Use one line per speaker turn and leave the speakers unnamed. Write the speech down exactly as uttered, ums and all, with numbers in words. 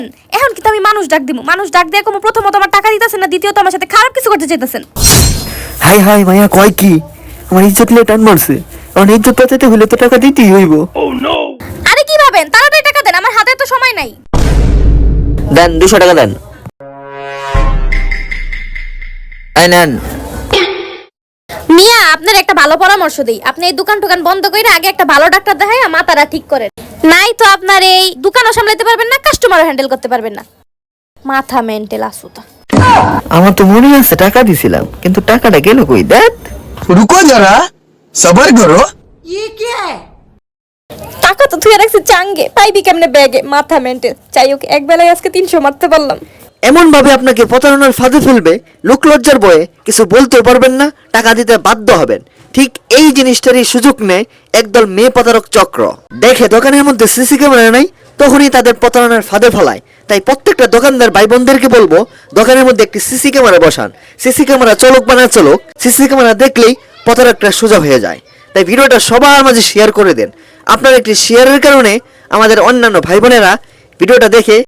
এখন কিন্তু আমি মানুষ ডাক দিব, মানুষ ডাক দিয়ে কোনো প্রথমত আমার টাকা দিতেছেন না, দ্বিতীয়ত আমার সাথে খারাপ কিছু করতে চাইতেছেন।
হাই হাই মায়া কয় কি, আমার ইজ্জত লিয়ে টান মারছে, আমার ইজ্জত বাঁচাতে হলে তো টাকা দিতেই হইব।
আরে কি ভাবেন, তাড়াতাড়ি টাকা দেন, আমার হাতে তো সময় নাই।
দেন দুশো টাকা দেন। এই নেন।
মিয়া আপনার একটা ভালো পরামর্শ দেই, আপনি এই দোকান টোকান বন্ধ করে আগে একটা ভালো ডাক্তার দেখাই মাথাটা ঠিক করেন, নাই তো আপনার এই দোকানও সামলাতে পারবেন না, কাস্টমারও হ্যান্ডেল করতে পারবেন না, মাথা মেন্টাল আসুতা।
আমার তো মনে আছে টাকা দিছিলাম, কিন্তু টাকাটা গেল কই? দেখ
रुको जरा सबर करो।
টাকা তো তুই রাখছিস চাঙ্গে, পাইবি কেমনে ব্যাগে, মাথা মেন্টাল। চাই হোক, এক বেলায় আজকে তিনশো মারতে পারলাম।
এমন ভাবে আপনাকে প্রতারণার ফাঁদে ফেলবে, লোক লজ্জার বয়ে কিছু বলতেও পারবেন না, টাকা দিতে বাধ্য হবেন। ঠিক এই জিনিসটারই সুযোগ নেয় একদল মেয়ে প্রতারক চক্র। দেখে দোকানের মধ্যে সিসি ক্যামেরা নাই, তখনই তাদের প্রতারণার ফাঁদে ফেলায়। তাই প্রত্যেকটা দোকানদার ভাই বোনদেরকে বলবো, দোকানের মধ্যে একটি সিসি ক্যামেরা বসান। সিসি ক্যামেরা চলুক বা না চলুক, সিসি ক্যামেরা দেখলেই প্রতারকটা সোজা হয়ে যায়। তাই ভিডিওটা সবার মাঝে শেয়ার করে দেন। আপনার একটি শেয়ারের কারণে আমাদের অন্যান্য ভাই বোনেরা ভিডিওটা দেখে